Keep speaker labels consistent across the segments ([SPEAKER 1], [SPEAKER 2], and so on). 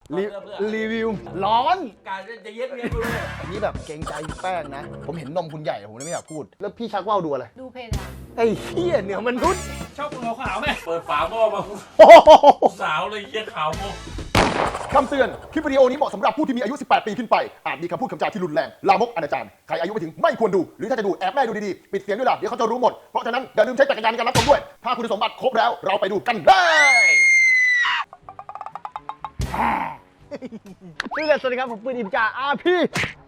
[SPEAKER 1] รีวิวร้อน
[SPEAKER 2] การจะเย็ดเมียกูเลย
[SPEAKER 1] อันนี้แบบเกรงใจพี่แป้งนะผมเห็นนมคุณใหญ่ผมเลยไม่อยากพูดแล้วพี่ชักว่าวดูอะไร
[SPEAKER 3] ดูเพจอะ
[SPEAKER 1] ไอ้เหี้ยเหนือมนุษย์
[SPEAKER 2] ชอบขาวไหมเปิดฝาหม้อมา
[SPEAKER 1] โอ้โห
[SPEAKER 2] สาวเลยเยี่ยขาวโม
[SPEAKER 1] คำเตือน คลิปวิดีโอนี้เหมาะสำหรับผู้ที่มีอายุ 18 ปีขึ้นไป อาจมีคำพูดคำจาที่รุนแรง ลามกอนาจารใครอายุไม่ถึงไม่ควรดู หรือถ้าจะดูแอบแม่ดูดีๆ ปิดเสียงด้วยล่ะ เดี๋ยวเขาจะรู้หมด เพราะฉะนั้นอย่าลืมใช้จักรยานในการรับชมด้วย ถ้าคุณสมบัติครบแล้ว เราไปดูกันเลยชื่อเลยสวัสดีครับ ผมปืนอิมจ่าพี่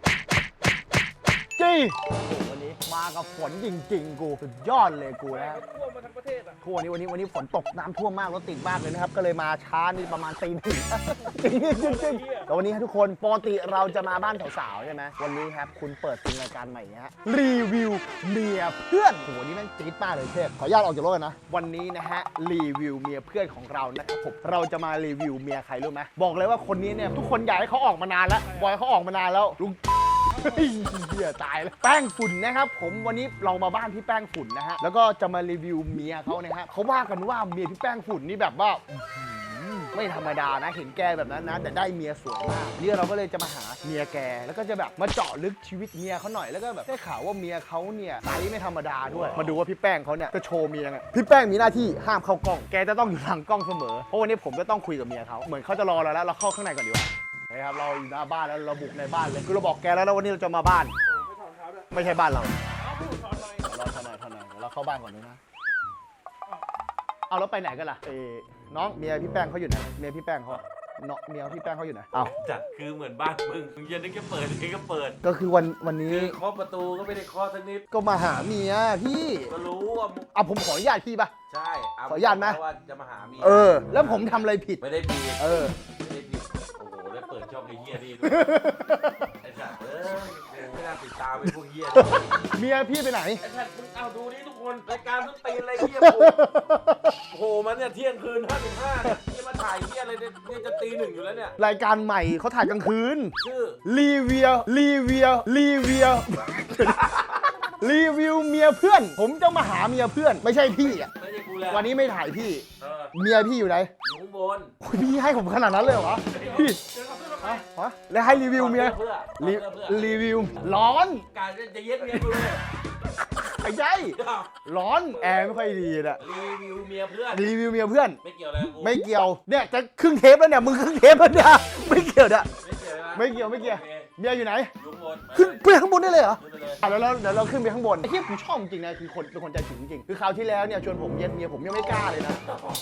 [SPEAKER 1] จี้วันนี้มากับฝนจริงๆ กูสุดยอดเลยกูนะ
[SPEAKER 2] ท่วมมาทั้งประเทศอ่ะ
[SPEAKER 1] วันนี้ฝนตกน้ำท่วมมากรถติดมากเลยนะครับก็เลยมาช้านี่ประมาณตี 1 จริงแต่วันนี้ครับทุกคนปกติเราจะมาบ้านสาวๆใช่ไหมวันนี้ครับคุณเปิดเป็นรายการใหม่ฮะรีวิวเมียเพื่อนโหนี่แม่งจี๊ดมากเลยเชฟขออนุญาตออกจากรถนะวันนี้นะฮะรีวิวเมียเพื่อนของเรานะครับผมเราจะมารีวิวเมียใครรู้ไหมบอกเลยว่าคนนี้เนี่ยทุกคนอยากให้เขาออกมานานแล้วบอยเขาออกมานานแล้วลุง เหี้ยตายแล้วแป้งฝุ่นนะครับผมวันนี้เรามาบ้านพี่แป้งฝุ่นนะฮะแล้วก็จะมารีวิวเมียเขานะฮะเขาว่ากันว่าเมียพี่แป้งฝุ่นนี่แบบว่าไม่ธรรมดานะเห็นแกแบบนั้นนะแต่ได้เมียสวยมากนี่เราก็เลยจะมาหาเมียแกแล้วก็จะแบบมาเจาะลึกชีวิตเมียเขาหน่อยแล้วก็แบบได้ข่าวว่าเมียเขาเนี่ยไซส์ไม่ธรรมดาด้วยมาดูว่าพี่แป้งเขาเนี่ยจะโชว์เมียไงพี่แป้งมีหน้าที่ห้ามเข้ากล้องแกจะต้องอยู่หลังกล้องเสมอเพราะวันนี้ผมก็ต้องคุยกับเมียเขาเหมือนเขาจะรอเราแล้วเราเข้าข้างในก่อนดีกว่านะครับเราอยู่หน้าบ้านแล้วเราบุกในบ้านเลยคือเราบอกแกแล้วนะวันนี้เราจะมาบ้านไม่ใช่บ้านเราเราถอยหน่อยเราเข้าบ้านก่อนนะเอาแล้วไปไหนกันล่ะน้องเมียพี่แป้งเขาอยู่ไหนเมียพี่แป้งเขาเนาะเมียพี่แป้งเขาอยู่ไหนเอา
[SPEAKER 2] จัดคือเหมือนบ้านมึงเย็นนี่ก็เปิดนี่ก็เปิด
[SPEAKER 1] ก็คือวันนี้
[SPEAKER 2] คือเคาะประตูก็ไม่ได้เคาะสักนิด
[SPEAKER 1] ก็มาหาเมียพี่
[SPEAKER 2] ก็รู้ว่า
[SPEAKER 1] เอาผมขออนุญาตพี่ปะ
[SPEAKER 2] ใช่
[SPEAKER 1] ขออนุญาตไหม
[SPEAKER 2] ว่าจะมาหาเมีย
[SPEAKER 1] แล้วผมทำอะไรผิด
[SPEAKER 2] ไม่ได้ผิด
[SPEAKER 1] เออ
[SPEAKER 2] ไม่ได้ผิดโอ้โหได้เปิดช่องไอ้เหี้ยนี่ด้วยไอ้สัตว์ไม่น่าติดตามไอ้พวกเหี้ย
[SPEAKER 1] เมียพี่ไปไหน
[SPEAKER 2] ไอ้สัตว์มึงเอาดูนี่ทุกคนรายการต้องตีอะไรเหี้ยโผล่มาเนี่ยเที่ยงคืน55เนี่ยนี่มาถ่ายเหี้ยอะไรเนี่ยจะตี 1อยู่แล้วเนี่ย
[SPEAKER 1] รายการใหม่เขาถ่ายกลางคืน
[SPEAKER 2] ชื่อ
[SPEAKER 1] รีวิวรีวิวเมียเพื่อน ผมจะมาหาเมียเพื่อน ไม่ใช่พี่อ่ะ
[SPEAKER 2] ไม่ใช่กูแล้ว
[SPEAKER 1] วันนี้ไม่ถ่ายพี่
[SPEAKER 2] เออ
[SPEAKER 1] เมียพี่อยู่ไหน
[SPEAKER 2] อยู่ข้างบน
[SPEAKER 1] โอ้ยพี่ให้ผมขนาดนั้นเลยเหรอพี่
[SPEAKER 2] เจอกับเพื่อนทำไม
[SPEAKER 1] ฮะแล้วให้รีวิวเมีย
[SPEAKER 2] เพื่อ
[SPEAKER 1] รีวิวร้อน
[SPEAKER 2] การจะเย็ดเมียกูเลย
[SPEAKER 1] ไอ้ใช่ร้อนแอร์ไม่ค่อยดีนะ
[SPEAKER 2] รีวิวเมียเพื่อน
[SPEAKER 1] รีวิวเมียเพื่อน
[SPEAKER 2] ไม่เกี่ยวอะไรกับกู
[SPEAKER 1] ไม่เกี่ยวเนี่ยจะครึ่งเทปแล้วเนี่ยมึงครึ่งเทปแล้วเนี่ยไม่เกี่ยวเนี่ย
[SPEAKER 2] ไม่เกี่ยวนะ
[SPEAKER 1] ไม่เกี่ยวเมียอยู่ไหน
[SPEAKER 2] อยู่ข้างบน
[SPEAKER 1] ขึ้นไปข้างบนได้เลยเหรอ
[SPEAKER 2] ขึ้นไปเลย
[SPEAKER 1] แล้วเดี๋ยวเราขึ้นไปข้างบนไอ้ที่ผมชอบจริงนะคือคนเป็นคนใจถึงจริงคือคราวที่แล้วเนี่ยชวนผมเย็นเมียผมยังไม่กล้าเลยนะ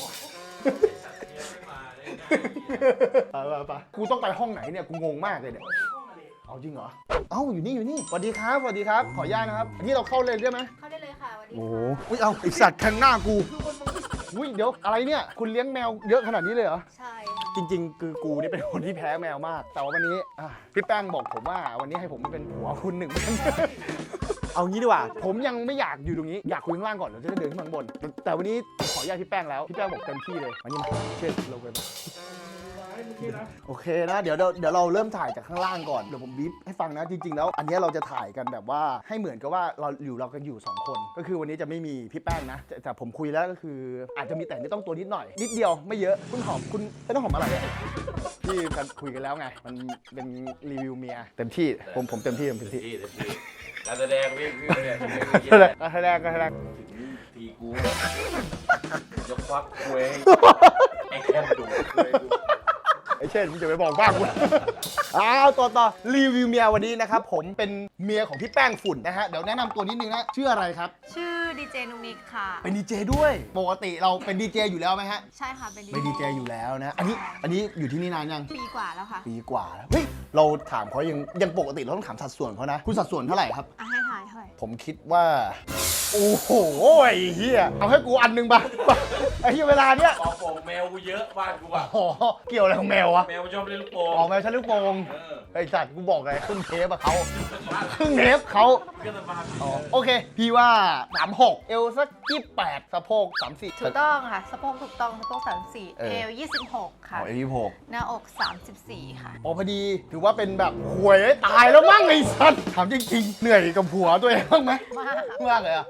[SPEAKER 1] ไปกูต้องไปห้องไหนเนี่ยกูงงมากเลยเนี่ยเอาจริงเหรอเอ้าอยู่นี่สวัสดีครับขออนุญาตนะครับอันนี้เราเข้าเลยได้ไหม
[SPEAKER 3] เข้าได้เลยค่ะวันนี้
[SPEAKER 1] โอ้โหอุ้ยเอาไอสัตว์แทงหน้ากูอุ้ยเดี๋ยวอะไรเนี่ยคุณเลี้ยงแมวเยอะขนาดนี้เลยเหรอ
[SPEAKER 3] ใช่
[SPEAKER 1] จริงๆ คือกูนี่เป็นคนที่แพ้แมวมาก แต่ว่าวันนี้พี่แป้งบอกผมว่าวันนี้ให้ผมเป็นผัวคุณ1 วัน เอางี้ดีกว่า ผมยังไม่อยากอยู่ตรงนี้ อยากคุยข้างล่างก่อนเราจะได้เดินขึ้นข้างบน แต่วันนี้ผมขออนุญาตพี่แป้งแล้ว พี่แป้งบอกเต็มที่เลยวันนี้มาเชิญเราไปมาโอเคนะ เดี๋ยวเราเริ่มถ่ายจากข้างล่างก่อน เดี๋ยวผมบีบให้ฟังนะ จริงๆ แล้ว อันนี้เราจะถ่ายกันแบบว่าให้เหมือนกับว่าเรากันอยู่2 คน ก็คือวันนี้จะไม่มีพี่แป้งนะ แต่ผมคุยแล้วก็คือ อาจจะมีแต่ไม่ต้องตัวนิดหน่อย นิดเดียวไม่เยอะ คุณหอมคุณไม่ต้องหอมอะไรอะที่กันคุยกันแล้วไง มันเป็นรีวิวเมียเต็มที่ ผมเต็มที่
[SPEAKER 2] การแสดงพี่เนี่ย
[SPEAKER 1] ก็แสดง
[SPEAKER 2] ทีกูยกควักคุยไอ้แค่ดูคุย
[SPEAKER 1] ไอ้เช่นมึงจะไปบอกบ้างกูต่อรีวิวเมียวันนี้นะครับผมเป็นเมียของพี่แป้งฝุ่นนะฮะเดี๋ยวแนะนำตัวนิดนึงนะชื่ออะไรครับ
[SPEAKER 3] ชื่อดีเจนุกนิกค่ะ
[SPEAKER 1] เป็นดีเจด้วยปกติเราเป็นดีเจอยู่แล้วไหมฮะ
[SPEAKER 3] ใช่ค่ะเป็น
[SPEAKER 1] เป็นดีเจอยู่แล้วนะอันนี้อยู่ที่นี่นานยัง
[SPEAKER 3] ปีกว่าแล้วค่ะ
[SPEAKER 1] ปีกว่าแล้วเฮ้ยเราถามเขายังปกติเราต้องถามสัดส่วนเขานะคุณสัดส่วนเท่าไหร่ครับ
[SPEAKER 3] ให้ถ่ายเท่าไหร่
[SPEAKER 1] ผมคิดว่าโอ้โหไอ้เหี้ยเอาให้กูอันหนึงป่ะไอ้เหี้ยเวลาเนี้ย
[SPEAKER 2] ปอกโป่งแมวกูเยอะบ้านกูอ่ะ
[SPEAKER 1] อ๋อเกี่ยวอะไรของแมววะ
[SPEAKER 2] แมวชอบเล่นลูกโป่ง
[SPEAKER 1] ออกแมวชั้นลูกโป่งไอ้สัตว์กูบอกเลยครึ่งเทปอะเขาครึ่งเทปเขา
[SPEAKER 2] ก็จะมา
[SPEAKER 1] โอเค พี่ว่า36เอวสัก28สะโพก34
[SPEAKER 3] ถูกต้องค่ะสะโพกถูกต้องสะโพก34
[SPEAKER 1] เออ
[SPEAKER 3] เอว26 ค่ะ
[SPEAKER 1] เอว26
[SPEAKER 3] หน้าอก 34 ค่ะ
[SPEAKER 1] อ๋อพอดีถือว่าเป็นแบบหวยตายแล้วมั้งไอ้สัตว์ถามจริงๆเหนื่อยกับผัวตัวเองบ้างไหม
[SPEAKER 3] มาก
[SPEAKER 1] มากเลยอะ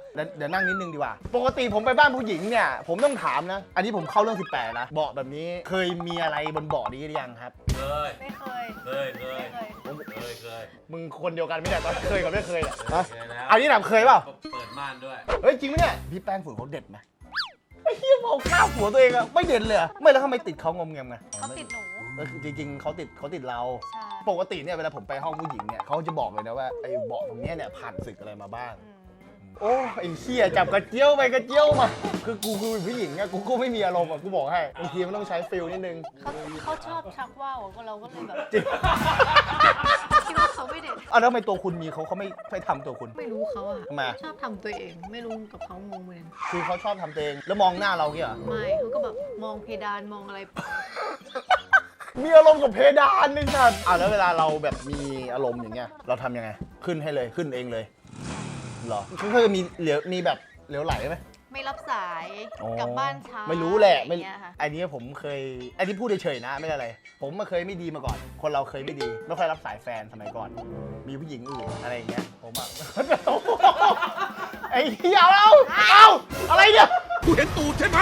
[SPEAKER 1] เดี๋ยวนั่งนิดนึงดีกว่า ปกติผมไปบ้านผู้หญิงเนี่ยผมต้องถามนะ อันนี้ผมเข้าเรื่อง18นะเบาะแบบนี้เคยมีอะไรบนเบาะนี้หรือยังครับ
[SPEAKER 2] เคย
[SPEAKER 3] ไม่เคย
[SPEAKER 2] เคย เคย เคย
[SPEAKER 1] มึงคนเดียวกันไม่ได้ตอนเคยกับไม่เคยเนี่ยฮะ
[SPEAKER 2] เคยแล้ว
[SPEAKER 1] อันนี้ถามเคยเปล่า
[SPEAKER 2] เปิดม่านด้วย
[SPEAKER 1] เฮ้ยจริงไหมเนี่ยพี่แป้งฝุ่นเขาเด็ดไหมไอ้เหี้ยเอาข้าวหัวตัวเองอะไม่เด็ดเลยอะไม่แล้วทำไมติดเขางอมแงมไง
[SPEAKER 3] เขาติดหนู
[SPEAKER 1] จริงๆเขาติดเรา
[SPEAKER 3] ใช่
[SPEAKER 1] ปกติเนี่ยเวลาผมไปห้องผู้หญิงเนี่ยเขาจะบอกเลยนะว่าไอ้เบาะตรงเนี้ยเนี่ยผ่านศึกอะไรมาบ้าง โอ้ไอ้เหี้ยจับกระเจียวไปกระเจียวมาคือกูคือผู้หญิงอะกูก็ไม่มีอารมณ์อะกูบอกให้บางทีมันต้องใช้ฟิลนิดนึง
[SPEAKER 3] เขาชอบชักว่าวอะเราก็เลยแบบ
[SPEAKER 1] จริง
[SPEAKER 3] คิดว่าเขาไม่เด็ด
[SPEAKER 1] อ่ะแล้วทำไมตัวคุณมีเขาไม่ทำตัวคุณ
[SPEAKER 3] ไม่รู้เขาอะ
[SPEAKER 1] ทำไม
[SPEAKER 3] ชอบทำตัวเอง ไม่รู้กับเขางงเหมือนกัน
[SPEAKER 1] คือเขาชอบทำตัวเองแล้วมองหน้าเราเงี้ยเหรอ
[SPEAKER 3] ไม่เขาก็แบบมองเพดานมองอะไร
[SPEAKER 1] มีอารมณ์กับเพดานนี่สัตว์อ่ะแล้วเวลาเราแบบมีอารมณ์อย่างเงี้ยเราทำยังไงขึ้นให้เลยขึ้นเองเลยเหรอคือเคยมีแบบเหลวไหลไหม
[SPEAKER 3] ไม่รับสาย
[SPEAKER 1] อ๋อ
[SPEAKER 3] กลับบ้านช้า
[SPEAKER 1] ไม่รู้แหละ
[SPEAKER 3] อ
[SPEAKER 1] ไม่
[SPEAKER 3] ย่างเงี้ยค่ะ
[SPEAKER 1] อันนี้ผมเคยอันนี้พูดเฉยๆนะไม่ได้อะไรผมมาเคยไม่ดีมาก่อน คนเราเคยไม่ดีไม่ค่อยรับสายแฟนสมัยก่อน มีผู้หญิงอื่นอะไรอย่างเงี้ยผมอะ ไอ้เหี้ยเอาอะไรเนี่ย
[SPEAKER 2] กูเห็นตูดใช่ไหม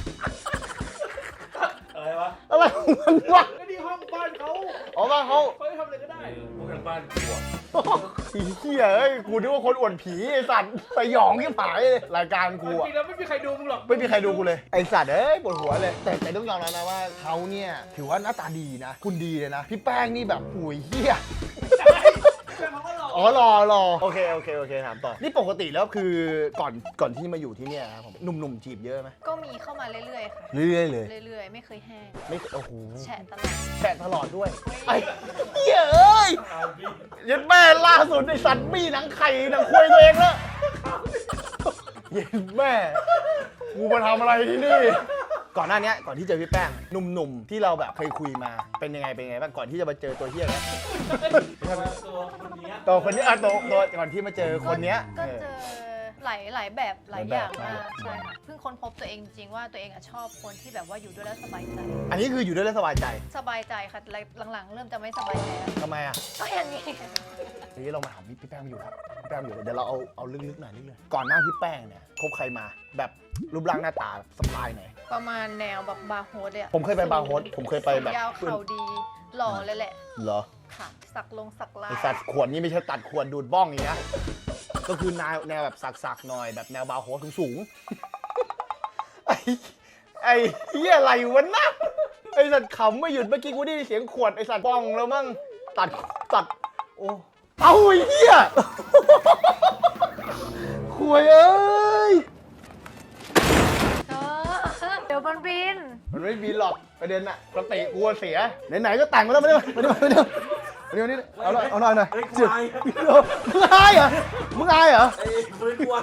[SPEAKER 2] อะไรวะ
[SPEAKER 1] อะไรของมันวะ
[SPEAKER 2] ก็ที่ห้องบ้านเขา
[SPEAKER 1] อ๋อว่าเขา
[SPEAKER 2] เขาทำอะไรก็ได้พวกทางบ้านกูอะ
[SPEAKER 1] ไอ้เหี้ยเอ้ยกูนึกว่าคนอวดผีไอ้สัตว์สยองที่ผายเลยรายการกูอะ
[SPEAKER 2] จริงๆแล้วไม่มีใครดูมึงหรอก
[SPEAKER 1] ไม่มีใครดูกูเลยไอ้สัตว์เอ้ยปวดหัวเลยแต่ต้องยอมรับนะว่าเขาเนี่ยถือว่าหน้าตาดีนะคุณดีเลยนะพี่แป้งนี่แบบหุยเหี้ย
[SPEAKER 2] เขาก็หลอก
[SPEAKER 1] อ๋อรอโอเคถามต่อนี่ปกติแล้วคือก่อนที่มาอยู่ที่เนี่ยครับผมหนุ่มๆจีบเยอะไหม
[SPEAKER 3] ก็มีเข้ามาเรื่อยๆค่ะ
[SPEAKER 1] เรื่อยๆเลย
[SPEAKER 3] เรื่อยๆ ไม่เคยแห้ง
[SPEAKER 1] ไม่โอ้โห
[SPEAKER 3] แฉะตลอด
[SPEAKER 1] แฉะตลอดด้วยไอ้เหี้ยเอ้ยยันแม่ล่าสุดไอ้สัตว์บี้หนังไข่หนังควายตัวเองแล้วยันแม่กูมาทำอะไรที่นี่ก่อนหน้านี้ก่อนที่เจอพี่แป้งหนุ่มๆที่เราแบบเคยคุยมาเป็นยังไงบ้างก่อนที่จะมาเจอตัวเหี้ยเนี้ย
[SPEAKER 2] ตัวคนนี้
[SPEAKER 1] ตัวก่อนที่มาเจอคนเนี้ย
[SPEAKER 3] ก็เจอหลายแบบหลายอย่าง
[SPEAKER 1] หลาย
[SPEAKER 3] มา
[SPEAKER 1] แบบ
[SPEAKER 3] กใช่ค่ะเพิ่งค้นพบตัวเองจริงๆว่าตัวเองอะชอบคนที่แบบว่าอยู่ด้วยแล้วสบายใจ
[SPEAKER 1] อันนี้คืออยู่ด้วยแล้วสบายใจ
[SPEAKER 3] สบายใจค่ะหลังๆ เริ่มจะไม่สบายใจแล้ว
[SPEAKER 1] ทำไมอ่ะ
[SPEAKER 3] ก็อย่างนี้
[SPEAKER 1] ทีนี้เรามาถามพี่แป้งมาอยู่ครับพี่แป้งมาอยู่เดี๋ยวเราเอาลึกๆหน่อยนิดนึงก่อนหน้าพี่แป้งเนี่ยคบใครมาแบบรูปร่างหน้าตาสไตล์ไหน
[SPEAKER 3] ประมาณแนวแบบบาร์โฮสเลยอะ
[SPEAKER 1] ผมเคยไปบาร์โฮสผมเคยไปแบบ
[SPEAKER 3] ยาวเข่าดีหล่อเลยแหละ
[SPEAKER 1] เหรอ
[SPEAKER 3] ค่ะ สักลา
[SPEAKER 1] ไอย
[SPEAKER 3] ย
[SPEAKER 1] สัตว์ขวดนี่ไม่ใช่ตัดขวดดูดบ้องอย่างเงี้ยก็คือแนวแบบสักๆหน่อยแบบแนวบาร์โฮสสูงๆไอ้เหี้ยอะไรวะนะไอสัตว์ขำไม่หยุดเมื่อกี้กูได้ยินเสียงขวดไอสัตว์บ้องแล้วมั่งตัดโอ้เอาไอ้เหี้ยขวยเอ้ย
[SPEAKER 3] เดี๋ยวมันบิน
[SPEAKER 1] มันไม่บินหรอกประเด็นอะสติกูเสียไหนๆก็แต่งมาแล้วมาเดี๋ยวเอาหน่อยหน่อย
[SPEAKER 2] เฮ้ยกู
[SPEAKER 1] จุด
[SPEAKER 2] อาย
[SPEAKER 1] มึงอายเหรอมึงอายเหรอ
[SPEAKER 2] ไอ้ปืนกูอาย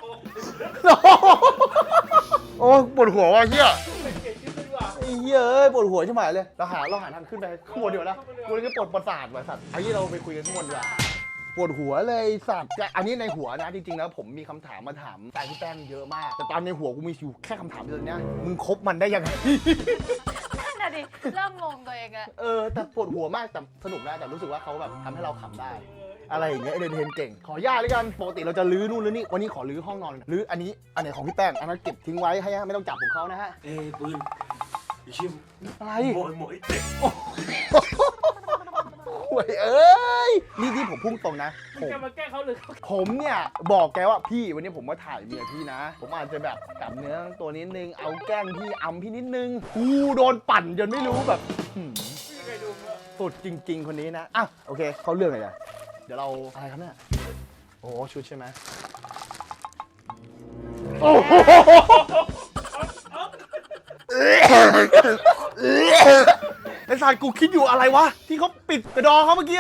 [SPEAKER 1] โอ้ปวดหัวว่ะเฮียไอ้เหี้ยเอ้ยปวดหัวใช่ไหมเลยเราหาทางขึ้นไปข้างบนเดี๋ยวนะกูเลยจะปวดประสาทว่ะสัตว์ไอ้ที่เราไปคุยกันข้างบนดีกว่าปวดหัวเลยสัตว์แต่อันนี้ในหัวนะจริงๆแล้วผมมีคำถามมาถามแฟนพี่แป้งเยอะมาก แต่ตอนในหัวกูมีอยู่แค่คำถามเดียวเนี้ยมึงคบมันได้ยังไง
[SPEAKER 3] นั่นน่ะดิ เริ่มงงตัวเองอะ
[SPEAKER 1] แต่ปวดหัวมากแต่สนุกนะแต่รู้สึกว่าเขาแบบทำให้เราขำได้ อะไรอย่างเงี้ยเอนเตอร์เทนเก่งขออนุญาตเลยกันปกติเราจะลื้อนู่นลื้อนี่วันนี้ขอลื้อห้องนอนลื้ออันไหนของพี่แป้งอันนั้นเก็บทิ้งไว้ให้ไม่ต้องจับของเขานะฮะ
[SPEAKER 2] เอ้ยปืนไอ้ชิม
[SPEAKER 1] อะไร
[SPEAKER 2] โมยเด็ก
[SPEAKER 1] ห่วยเอ้ยนี่ผมพุ่งตรงนะผม
[SPEAKER 2] จะมาแก้เขาหรือ
[SPEAKER 1] ผมเนี่ยบอกแกว่าพี่วันนี้ผมมาถ่ายเมียพี่นะ ผมอาจจะแบบกลับเนื้อตัวนิดนึงเอาแกล้งพี่อำพี่นิดนึงกูโดนปั่นจนไม่รู้แบบสุดจริง ๆ คนนี้นะอ่ะโอเคเข้าเรื่องเลยนะเดี๋ยวเราอะไรครับเนี่ยโอ้ชุดใช่ไหมโอ้โหไอ้สัตว์กูคิดอยู่อะไรวะที่เขาปิดกระดองเขาเมื่อกี้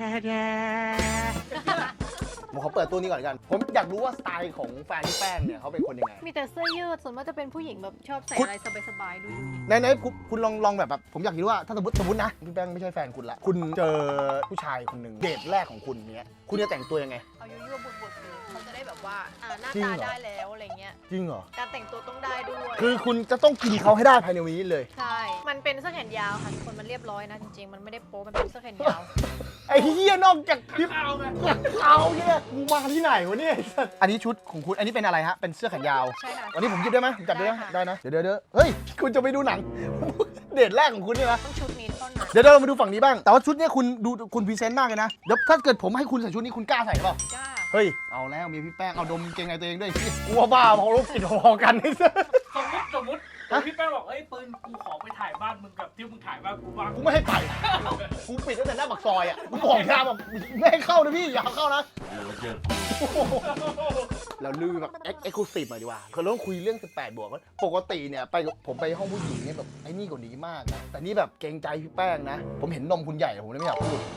[SPEAKER 1] ผมขอเปิดตัวนี้ก่อนกันผมอยากรู้ว่าสไตล์ของแฟนพี่แป้งเนี่ยเขาเป็นคนยังไง
[SPEAKER 3] มีแต่เสื้อยืดส่วนมากจะเป็นผู้หญิงแบบชอบใส่
[SPEAKER 1] คุณ
[SPEAKER 3] อะไรสบายๆดูดี
[SPEAKER 1] ไหนคุณลองแบบผมอยากรู้ว่าถ้าสมมตินะพี่แป้งไม่ใช่แฟนคุณละคุณเจอผู้ชายคนหนึ่งเดทแรกของคุณเนี้ยคุณจะแต่งตัวยังไง
[SPEAKER 3] เอายั่วๆบุดๆเลยเขาจะได้แบบว่าว่าหน้า
[SPEAKER 1] จริง
[SPEAKER 3] ตา
[SPEAKER 1] เหรอ
[SPEAKER 3] ได้แล้วอะไรเงี้ย
[SPEAKER 1] จริงเหรอ
[SPEAKER 3] การแต่งตัวต้องได้ด้วย
[SPEAKER 1] คือคุณจะต้องกินเขาให้ได้ภายในวันนี้เลย
[SPEAKER 3] ใช่ มันเป็นเสื้อแขนยาวค่ะทุกคนมันเรียบร้อยนะจริงๆ มันไม่ได้โป๊มันเป็นเสื้อแขนยาว
[SPEAKER 1] ไอ้เหี้ยนอกจากคลิปเขาเนี่ยกูมาที่ไหนวะเนี่ยอันนี้ชุดของคุณอันนี้เป็นอะไรฮะเป็นเสื้อแขนยาว
[SPEAKER 3] ใช่ค่ะ
[SPEAKER 1] วันนี้ผมหยิบได้ไหมผมจับได้ไหม
[SPEAKER 3] ได้ค่ะ
[SPEAKER 1] ได้นะเดี๋ยวเฮ้ยคุณจะไปดูหนัง เดทแรกของคุณเนี่ยนะ
[SPEAKER 3] ต้องชุดนี้เท่านั้น
[SPEAKER 1] เดี๋ยวเรามาดูฝั่งนี้บ้างแต่ว่าชุดเนี้ยคุณดูคุณพรีเซนต์มากเลยนะเดี๋ยวถ้าเกิดผมให้คุณใส่ชุดนี้คุณกล้าใส่เปล่า
[SPEAKER 3] จ้า
[SPEAKER 1] เฮ้ยเอาแล้วมีพี่แป้งเอาดมเกงในตัวเองด้วยกลัวบ้าพอรบกินพอกันนี่
[SPEAKER 4] สมมติพี่แป้งบอกเอ้ยปืนกูขอไปถ่ายบ้านมึงกับที่มึงถ่ายบ้านกูบ้าง
[SPEAKER 1] กูไม่ให้ไปกูปิดตั้งแต่หน้าปากซอยอ่ะกูบอกยามแบบไม่ให้เข้านะพี่อย่าเข้านะ
[SPEAKER 2] เจอ
[SPEAKER 1] เราลือแบบเอ็กซ์คลูซีฟหน่อยดีกว่าคือเราต้องคุยเรื่อง18 บวกปกติเนี่ยผมไปห้องผู้หญิงเนี่ยแบบไอ้นี่กว่านี้มากนะแต่นี่แบบเกรงใจพี่แป้งนะ ผมเห็นนมคุณใหญ่ผมเลยไม่อยากพูด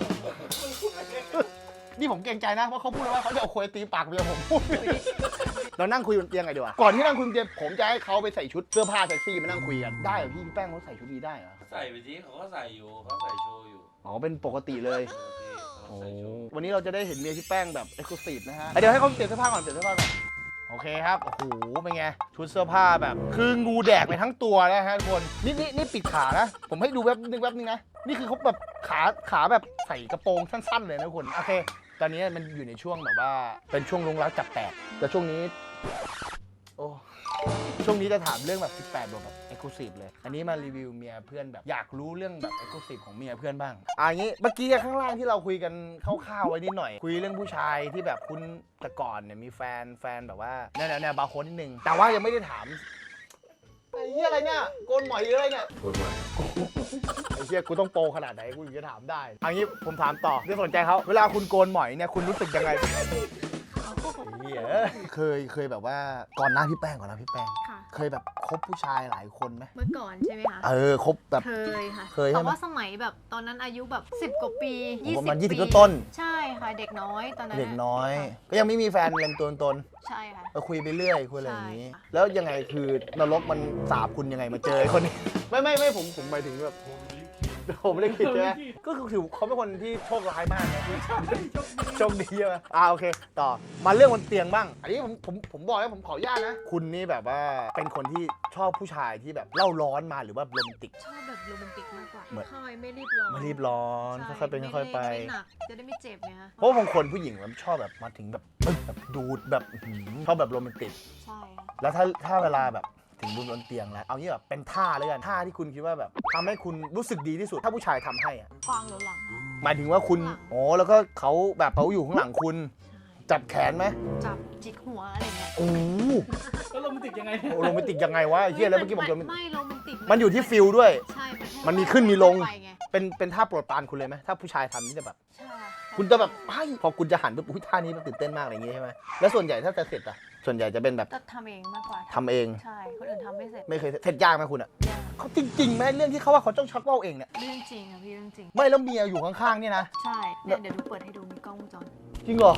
[SPEAKER 1] นี่ผมเกรงใจนะเพราะเขาพูดแล้วว่าเขาจะเอาโคยตีปากเมียผมพูดเรานั่งคุยบนเตียงไงดีกว่าก่อนที่นั่งคุยบนเตียงผมจะให้เขาไปใส่ชุดเสื้อผ้าเซ็กซี่มานั่งคุยกันได้เหรอพี่แป้งเขาใส่ชุดนี้ได้เหรอ
[SPEAKER 2] ใส่ไปทีเขาก็ใส่อยู่เขาใส่โชว์อยู่
[SPEAKER 1] อ๋อเป็นปกติเลย
[SPEAKER 2] เขาใส่โชว์
[SPEAKER 1] วันนี้เราจะได้เห็นเมียพี่แป้งแบบเอ็กซ์คลูซีฟนะฮะเดี๋ยวให้เขาเปลี่ยนเสื้อผ้าก่อนเปลี่ยนเสื้อผ้าก่อนโอเคครับโอ้โหเป็นไงชุดเสื้อผ้าแบบคืองูแดกไปทั้งตัวนะฮะทุกคนนี่ปิดขานะผมให้ดูแป๊บนึงนะนี่คือเขาแบบขาแบบใส่กระโปรงสั้นๆเลยนะทุกคนโอเคตอนนี้มันอยู่ในช่วงแบบว่าเป็นช่วงลงรักจับแตกแต่ช่วงนี้โอ้ช่วงนี้จะถามเรื่องแบบ18บวกแบบเอ็กซ์คลูซีฟเลยอันนี้มารีวิวเมียเพื่อนแบบอยากรู้เรื่องแบบเอ็กซ์คลูซีฟของเมียเพื่อนบ้างอย่างนี้เมื่อกี้ข้างล่างที่เราคุยกันคร่าวๆไว้นิดหน่อยคุยเรื่องผู้ชายที่แบบคุณแต่ก่อนเนี่ยมีแฟนแบบว่าแนวบาร์โค้ดนิดนึงแต่ว่ายังไม่ได้ถามไอ้เหี้ยอะไรเนี่ยโกนหมอยหรืออะไรเนี่ย
[SPEAKER 2] พูดมา
[SPEAKER 1] ไอ้เหี้ยกูต้องโปรขนาดไหนกูถึงจะถามได้อันนี้ผมถามต่อไม่สนใจเขาเวลาคุณโกนหมอยเนี่ยคุณรู้สึกยังไงไอ้เหี้ยเคยแบบว่าก่อนหน้าพี่แป้ง
[SPEAKER 3] ค่ะ
[SPEAKER 1] เคยแบบคบผู้ชายหลายคนไหม
[SPEAKER 3] เมื่อก่อนใช่ไหมคะ
[SPEAKER 1] คบแบบ
[SPEAKER 3] เคยค่ะ
[SPEAKER 1] เคยใช่ไหม
[SPEAKER 3] แต่ว่าสมัยแบบตอนนั้นอายุแบบ10 กว่าปี
[SPEAKER 1] ประมาณ
[SPEAKER 3] 20
[SPEAKER 1] 20
[SPEAKER 3] ปี
[SPEAKER 1] ต้น
[SPEAKER 3] ใช่ค่ะเด็กน้อยตอนนั้น
[SPEAKER 1] เด็กน้อย
[SPEAKER 3] ค่ะ
[SPEAKER 1] ก็ยังไม่มีแฟนเล่นตัวตน
[SPEAKER 3] ใช่ค่ะ
[SPEAKER 1] ก็คุยไปเรื่อยคุยอะไรอย่างนี้
[SPEAKER 3] ใช่ค่ะ
[SPEAKER 1] แล้วยังไงคือนรกมันสาบคุณยังไงมาเจอไอ้คนนี้ ไม่ผมหมายถึงแบบผมไม่ได้คิดใช่ไหมก็คือเขาเป็นคนที่โชคร้ายมากนะโชคดีใช่ไหมโอเค ต่อมาเรื่องบนเตียงบ้าง อันนี้ผมบอกแล้วผมขออนุญาตนะ คุณนี่แบบว่าเป็นคนที่ชอบผู้ชายที่แบบเล่าร้อนมาหรือว่าโรแมนติก
[SPEAKER 3] ชอบแบบโรแมนติกมากกว่า
[SPEAKER 1] เหมือน
[SPEAKER 3] ค่อยไม่รีบร้อน
[SPEAKER 1] ไม่รีบร้อน
[SPEAKER 3] ใช่
[SPEAKER 1] ค่อยๆเป็นค่อยๆไป
[SPEAKER 3] ม่หนักจะได้ไม่เจ็บไงคะ
[SPEAKER 1] เพราะบางคนผู้หญิงมันชอบแบบมาถึงแบบปึ๊บแบบดูดแบบชอบแบบโรแมนติก
[SPEAKER 3] ใช่ค่ะ
[SPEAKER 1] แล้วถ้าเวลาแบบถึงบนเตียงแล้วเอางี้แบบเป็นท่าเลยกันท่าที่คุณคิดว่าแบบทำให้คุณรู้สึกดีที่สุด ถ้าผู้ชายทำให้อะ
[SPEAKER 3] กวางหรือหลังคะ
[SPEAKER 1] หมายถึงว่าคุณโอ้แล้วก็เขาแบบเขาอยู่ข้างหลังคุณ จับแขนไหม
[SPEAKER 3] จับจิกหัวอะไรเงี้ย
[SPEAKER 1] โอ้
[SPEAKER 4] แล้วโรแมนติกยังไง
[SPEAKER 1] โหโรแมนติกยังไงวะไอ้เฮียแล้วเมื่อกี้บอกโรแมนติก
[SPEAKER 3] ไม่โรแมนติก
[SPEAKER 1] มันอยู่ที่ฟิลด้วย
[SPEAKER 3] ใช่แค่
[SPEAKER 1] มันมีขึ้นมีลง
[SPEAKER 3] ไปไ
[SPEAKER 1] เป็นท่าโปรดปรานคุณเลยไหมถ้าผู้ชายทำนี่จะแบบ
[SPEAKER 3] ใช่
[SPEAKER 1] คุณจะแบบไอ้พอคุณจะหันปุ๊บอุ้ยท่านี้มันตื่นเต้นมากอะไรอย่างงี้ใช่ไหมแล้วส่วนใหญ่ถ้าจะเสร็จอะส่วนใหญ่จะเป็นแบบ
[SPEAKER 3] จะทำเองมากกว่า
[SPEAKER 1] ทำเอง
[SPEAKER 3] ใช่คนอื่นทำไม่เสร็จ
[SPEAKER 1] ไม่เคยเสร็จยากไหมคุณอะ
[SPEAKER 3] ยาก
[SPEAKER 1] เขาจริงๆไหมเรื่องที่เขาว่าเขาต้องชักว่าวเองเนี่ย
[SPEAKER 3] เรื่องจริงอะพี่เรื่องจริง
[SPEAKER 1] ไม่แล้วเมียอยู่ข้างๆเนี่ยนะ
[SPEAKER 3] ใช่เนี่ยเดี๋ยวดูเปิดให้ดูมีกล้องวงจร
[SPEAKER 1] จริงเหรอ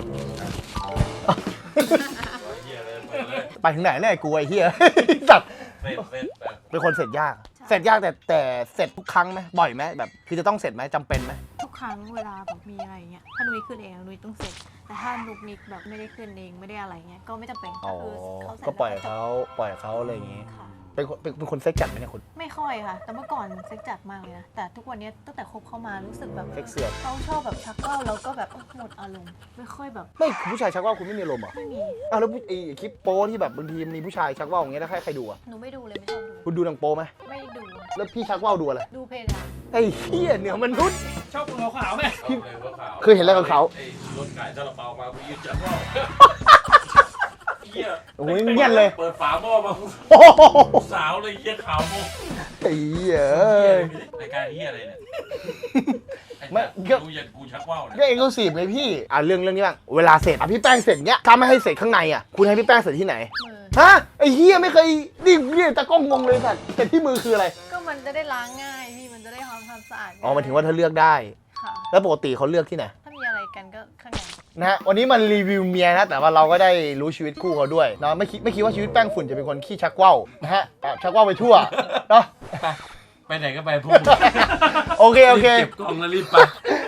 [SPEAKER 2] เฮียเลยเปิดเลย
[SPEAKER 1] ไปถึงไหนเนี่ยกูไอ้เฮีย สัตว์
[SPEAKER 2] เสร็จแบบ
[SPEAKER 1] เป็นคนเสร็จยาก เสร็จยากแต่เสร็จทุกครั้งไหมบ่อยไหมแบบคือจะต้องเสร็จไหมจำเป็นไหม
[SPEAKER 3] ทุกครั้งเวลาแบบมีอะไรเงี้ยถ้านุ้ยขึ้นเองนุ้ยต้องเสร็จ แต่ถ้านุกนิกแบบไม่ได้ขึ้นเองไม่ได้อะไรเงี้ยก็ไม่จำเป็น
[SPEAKER 1] อ๋
[SPEAKER 3] ก็
[SPEAKER 1] อ
[SPEAKER 3] คือเขาเสร็จ
[SPEAKER 1] ก็ปล่อย
[SPEAKER 3] แล้วจบ
[SPEAKER 1] เขาอะไรอย่างงี้
[SPEAKER 3] ค่ะ
[SPEAKER 1] เป็นคนเซ็กจัดไหมเนี่ยคุณ
[SPEAKER 3] ไม่ค่อยค่ะ แต่เมื่อก่อนเซ็กจัดมากเลยนะแต่ทุกวันนี้ตั้งแต่คบเข้ามารู้สึกแบบ
[SPEAKER 1] เซ็กเสือก
[SPEAKER 3] เขาชอบแบบชักว่าวแล้วก็แบบหมดอารมณ์ไม่ค่อยแบบ
[SPEAKER 1] ไม่คุณผู้ชายชักว่าวคุณไม่มีอารมณ์เหรอ
[SPEAKER 3] ไม่มี
[SPEAKER 1] อ้าวแล้วไอ้คลิปโป้ที่แบบบางทีมีผู้ชายชักว่าวอย่างเงี้ยแล้วใครดูอ่ะ
[SPEAKER 3] หนูไม่ดูเลยไม่ชอบดู
[SPEAKER 1] คุณดูหนังโป้ไหม
[SPEAKER 3] ไม่ดู
[SPEAKER 1] แล้วพี่ชักว่าวดูอะไร
[SPEAKER 3] ดูเพลงอะ
[SPEAKER 1] ไอ้เหี้ยเหนือมนุษย์
[SPEAKER 4] ชอบคนขาวๆไหม
[SPEAKER 2] เอาเลยว่าขาว
[SPEAKER 1] เคยเห็นอะไรกับเขา
[SPEAKER 2] ไอ้รถขายซาลาเปามากูยืนจับว่าวเฮีย
[SPEAKER 1] โอ้ยเงียบเลย
[SPEAKER 2] เปิดฝาหม้อมา
[SPEAKER 1] โอ้โห
[SPEAKER 2] สาวเลยเฮียขาวโม
[SPEAKER 1] ไอ้เหี้ย
[SPEAKER 2] รายการเฮียอะไรเนี่ย
[SPEAKER 1] ไม่
[SPEAKER 2] ดูอย่างกูชักว่าวเนี่ย
[SPEAKER 1] ก็เอ็กซ์คลูซีฟไงพี่เรื่องนี้บ้างเวลาเสร็จพี่แป้งเสร็จเนี้ยถ้าไม่ให้เสร็จข้างในอ่ะคุณให้พี่แป้งเสร็จที่ไหน
[SPEAKER 3] มือ
[SPEAKER 1] ฮะไอ้เฮียไม่เคยนี่ตะกล้องงงเลยสัตว์แต่ที่มือคืออะไร
[SPEAKER 3] ก็มันจะได้ล้างง่ายพี่มันจะได้ทำความสะอาด
[SPEAKER 1] อ๋อหมายถึงว่าเธอเลือกได้
[SPEAKER 3] ค่ะ
[SPEAKER 1] แล้วปกติเขาเลือกที่ไหน
[SPEAKER 3] ถ้ามีอะไรกันก็ข้างใน
[SPEAKER 1] นะฮะวันนี้มันรีวิวเมียนะแต่ว่าเราก็ได้รู้ชีวิตคู่เขาด้วยเนาะไม่คิดว่าชีวิตแป้งฝุ่นจะเป็นคนขี้ชักว่าวนะฮะชักว่าวไปทั่วเนาะ
[SPEAKER 2] ไปไหนก็ไปพวกมึง
[SPEAKER 1] โอเค
[SPEAKER 2] รีบเก็บกล่องแล้วรีบไป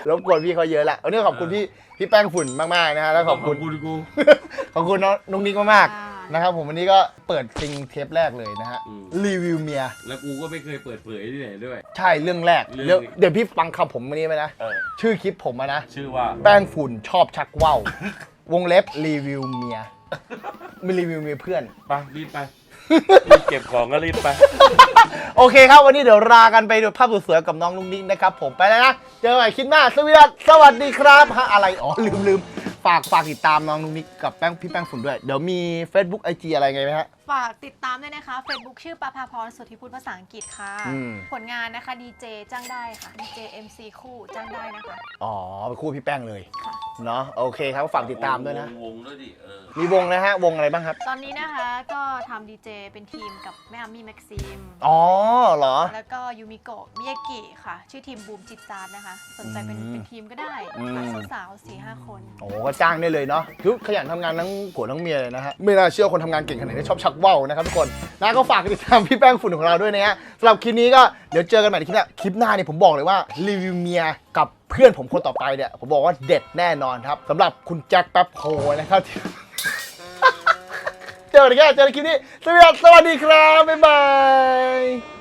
[SPEAKER 1] รบกวนพี่เขาเยอะแหละวันนี้ขอบคุณพี่แป้งฝุ่นมากๆนะฮะแล้วขอบคุณ
[SPEAKER 2] กู
[SPEAKER 1] ขอบคุณน้องนิกมากๆนะครับผมวันนี้ก็เปิดซิงเทปแรกเลยนะฮะรีวิวเมีย
[SPEAKER 2] แล้วกูก็ไม่เคยเปิดเผยที่ไหนด้วย
[SPEAKER 1] ใช่เรื่องแรก
[SPEAKER 2] เรื่อง
[SPEAKER 1] เดี๋ยวพี่ฟังคำผมวันนี้ไหมนะชื่อคลิปผมนะ
[SPEAKER 2] ชื่อว่า
[SPEAKER 1] แป้งฝุ่นชอบชักว่าววงเล็บรีวิวเมียไม่รีวิวเมียเพื่อน
[SPEAKER 2] ไปรีบไปรีบเก็บของก็รีบไป
[SPEAKER 1] โอเคครับวันนี้เดี๋ยวลากันไปดูภาพสวยๆกับน้องลุงนิกนะครับผมไปแล้วนะเจอกันใหม่คลิปหน้าสวัสดีครับฮะอะไรอ๋อลืมฝากติดตามน้องลุงนิกกับพี่แป้งฝุ่นด้วยเดี๋ยวมี Facebook IG อะไรไงไหมฮะ
[SPEAKER 3] ฝากติดตามด้วยนะคะ Facebook ชื่อประภาพรสุทธิพุทธภาษาอังกฤษค่ะ ผลงานนะคะดีเจจ้างได้ค่ะดีเจ MC คู่จ้างได้นะคะ
[SPEAKER 1] อ๋อเป็นคู่พี่แป้งเลย
[SPEAKER 3] ค่ะ
[SPEAKER 1] เนาะโอเคครับฝากติดตามด้วยนะ
[SPEAKER 2] วงด้วยดิ
[SPEAKER 1] มีวงนะฮะวงอะไรบ้างครับ
[SPEAKER 3] ตอนนี้นะคะก็ทำดีเจเป็นทีมกับแม่อามี่แม็กซิม
[SPEAKER 1] อ๋อเหรอ
[SPEAKER 3] แล้วก็ยูมิโกะมิยากิค่ะ ชื่อทีมบูมจิตจานนะคะ สนใจเป็นทีมก็ได้สาวๆ4-5 คน
[SPEAKER 1] โอ้ก็จ้างได้เลยเนาะทุกขยันทำงานทั้งผัวทั้งเมียเลยนะฮะไม่น่าเชื่อคนทำงานเก่งขนาดนี้ชอบชักว่าวนะครับทุกคนนะก็ฝากติดตามพี่แป้งฝุ่นของเราด้วยนะฮะสำหรับคลิปนี้ก็เดี๋ยวเจอกันใหม่ในคลิปหน้าเนี่ยผมบอกเลยว่ารีวิวเมียกับเพื่อนผมคนต่อไปเนี่ยผมบอกว่าเด็ดแน่นอนครับสำหรับคุณแจ็คแป๊บโฮนะครับ เจอกันในคลิปนี้สวัสดีครับบ๊ายบาย